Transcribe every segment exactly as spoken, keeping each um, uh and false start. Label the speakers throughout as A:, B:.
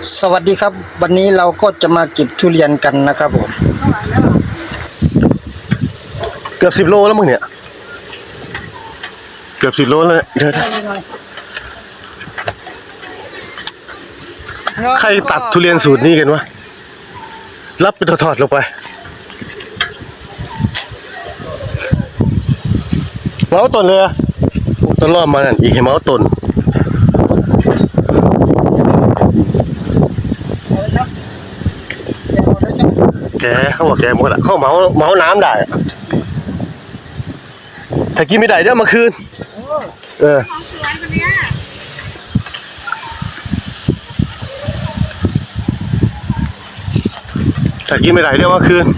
A: สวัสดีครับวันนี้เราก็จะมาเก็บทุเรียนกันนะครับผม
B: เกือบสิบโลแล้วมึงเนี่ยเกือบสิบโลแล้วเดี๋ยวใครตัดทุเรียนสูตรนี้กันวะรับไปทอดๆลงไปเมาส์ต้นเลยต้นรอบมานั่นอีกให้เมาส์ต้นแกเขาบอกแกหมดละเขาเมาเมาน้ำได้ถ้ากินไม่ได้เดี๋ยวมาคืนเออถ้ากินไม่ได้เดี๋ยวมาคืน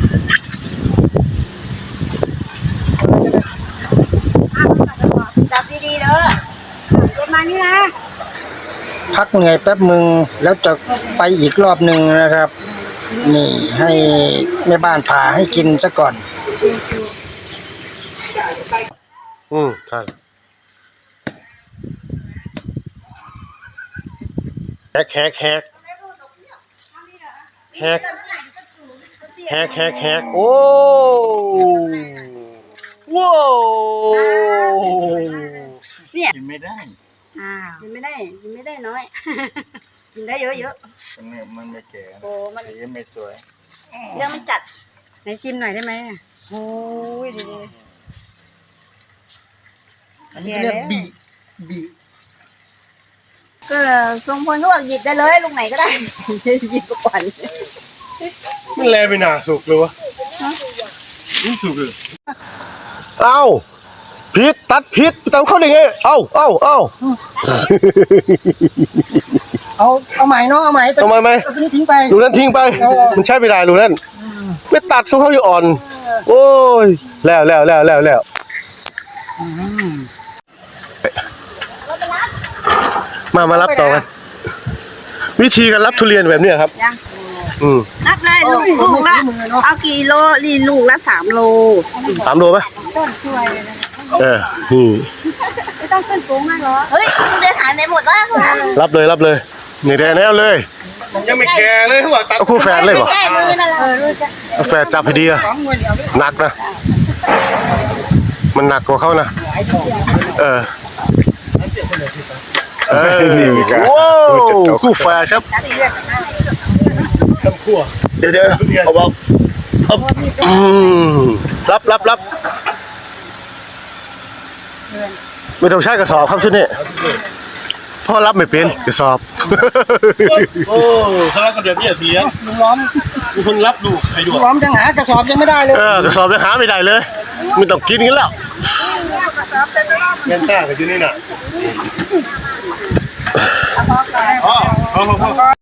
C: จับดีๆเด้อเก็บมานี่นะ
A: พักเหนื่อยแป๊บมึงแล้วจะไปอีกรอบหนึ่งนะครับนี่ให้แม่บ้านผ่าให้กินซะก่อน
B: อืมใช่แฮกแฮกแฮกแฮกแฮกแฮกแฮกโอ้ว้าว
C: เนี่ย
D: กินไม่ได้
C: อ้าวกินไม่ได้กินไม่ได้น้อยกินได้เยอะ
D: ๆมันมันไม่แก่
C: โอ้มัน
D: สีไม่สวย
C: เรื่องมันจัดไหนชิมหน่อยได้ไหมโอ้ยดีๆอันนี้เรียกบีบีก็ทรงพลก็บอกหยิบได้เลยลูกไหนก็ได้หยิบก่อน
B: มันแลไปหนาสุกเลยวะนี่สุกเลยเอ้าพิษตัดพิษตามเข้าได้ไงเอ้าเอ้าเอ้า
A: เอาเอาใหม่เนาะเอาใหม่
B: ทำไมไหม
A: เอาตัวนี้ทิ้งไป
B: ลูกนั้นทิ้งไปมันใช้ไม่ได้ลูกนั้นไม่ตัดเขาเขาอยู่อ่อนโอ้ยแล้วแล้วแล้วแล้วแล้วมามารับต่อกันวิธีการรับทุเรียนแบบนี้ครับอืม
C: รับเลยลูกลูกละเอากี่โลลีลูกละสามโล
B: สามโลไหม
C: ต้นช่วย
B: เออนี่
C: ไม่ต้องขึ้นสูงมากหรอเฮ้ยเดินหายไปหมดแล้ว
B: รับเลยรับเลยนี่แดงแน่เลย
D: ยังไม่แก่เลยหัวตัด
B: คู่แฝดเลยเหรอ
C: คู่
B: แฝดจับพอดีอะหนักนะมันหนักกว่าเขานะเออเออว้าวคู่แฝดครับเดี๋ยวเดี๋ยวเอาบอกอืมรับรับรับไม่ต้องใช้กระสอบครับชุดนี้พ่อรับไม่เป็นกระสอบ
D: โอ้เขารับกระเดียบเนี่ยเสีย
A: ลุงล้อม
D: มีคนรับดูใครดู
A: ลุงล้อมยังหากระสอบยังไม่ได้เลย
B: เออกระสอบยังหาไม่ได้เลยไม่ต้องกินกันแล้ว
D: เงินต้ากับที่นี่น่ะอ๋อ